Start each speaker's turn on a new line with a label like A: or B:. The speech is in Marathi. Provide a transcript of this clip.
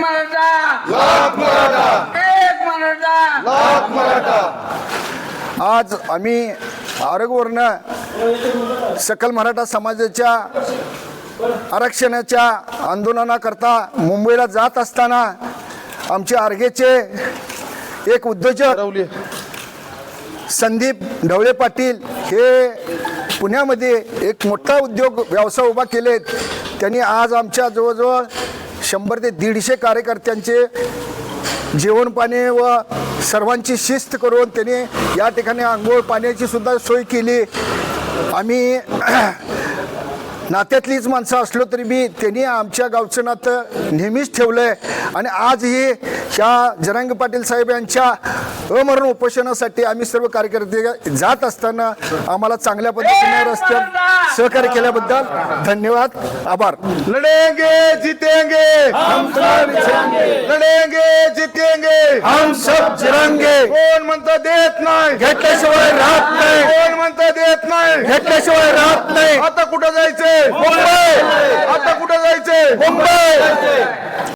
A: मराठा,
B: लाख मराठा,
A: एक मराठा,
B: लाख मराठा.
C: आज आम्ही आरगवरनं सकल मराठा समाजाच्या आरक्षणाच्या आंदोलनाकरता मुंबईला जात असताना आमचे आर्गेचे एक उद्योजक संदीप ढवळे पाटील हे पुण्यामध्ये एक मोठा उद्योग व्यवसाय उभा केलेत. त्यांनी आज आमच्या जवळजवळ 100 ते 150 कार्यकर्त्यांचे जेवण पाणी व सर्वांची शिस्त करून त्यांनी या ठिकाणी आंघोळ पाण्याची सुद्धा सोय केली. आम्ही नात्यातलीच माणसं असलो तरी बी त्यांनी आमच्या गावचं नातं नेहमीच ठेवलं आहे. आणि आजही ह्या जरांगे पाटील साहेब यांच्या अमरण उपोषणासाठी आम्ही सर्व कार्यकर्ते जात असताना आम्हाला चांगल्या पद्धतीने रस्त्यात सहकार्य केल्याबद्दल धन्यवाद, आभार.
B: लढेंगे जीतेंगे हम सब लढेंगे जीतेंगे
C: हम सब जिरंगे.
B: कोण म्हणतं देत नाही,
C: घेतल्याशिवाय राहत नाही,
B: कोण म्हणतं देत नाही.
C: घेतल्याशिवाय राहत नाही.
B: आता कुठं जायचंय?
C: मुंबई,
B: आता कुठं जायचंय?
C: मुंबई.